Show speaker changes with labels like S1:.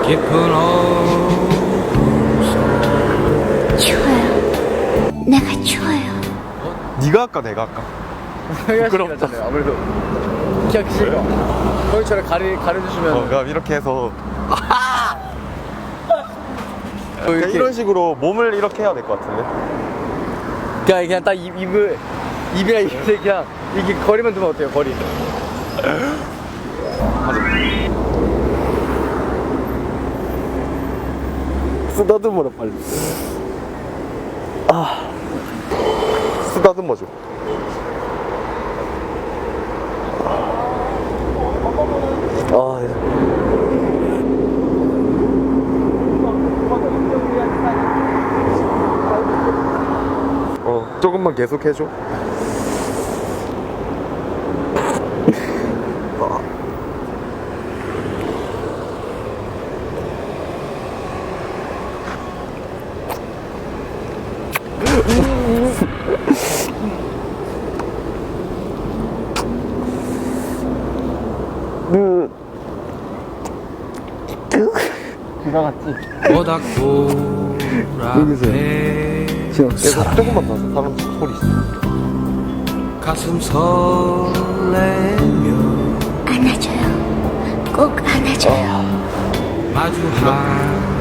S1: 깊은
S2: 추워요. 내가 추워요.
S3: 네가 할까 내가 할까? 부끄럽다.
S4: 아무래도 키가 크시니까 거기처럼 가려주시면
S3: 그럼 이렇게 해서 그러니까
S4: 이렇게.
S3: 이런 식으로 몸을 이렇게 해야 될 것 같은데.
S4: 그냥 딱 입이랑 입에 그냥 이렇게 거리만 두면 어때요? 거리.
S3: 쓰다듬어라 빨리. 쓰다듬어줘. 조금만 계속 해줘.
S1: 모닥불 앞에
S3: 계속 조금만 더 사람 소리 있어.
S1: 가슴 설레며
S2: 안아줘요. 꼭 안아줘요.
S1: 마주한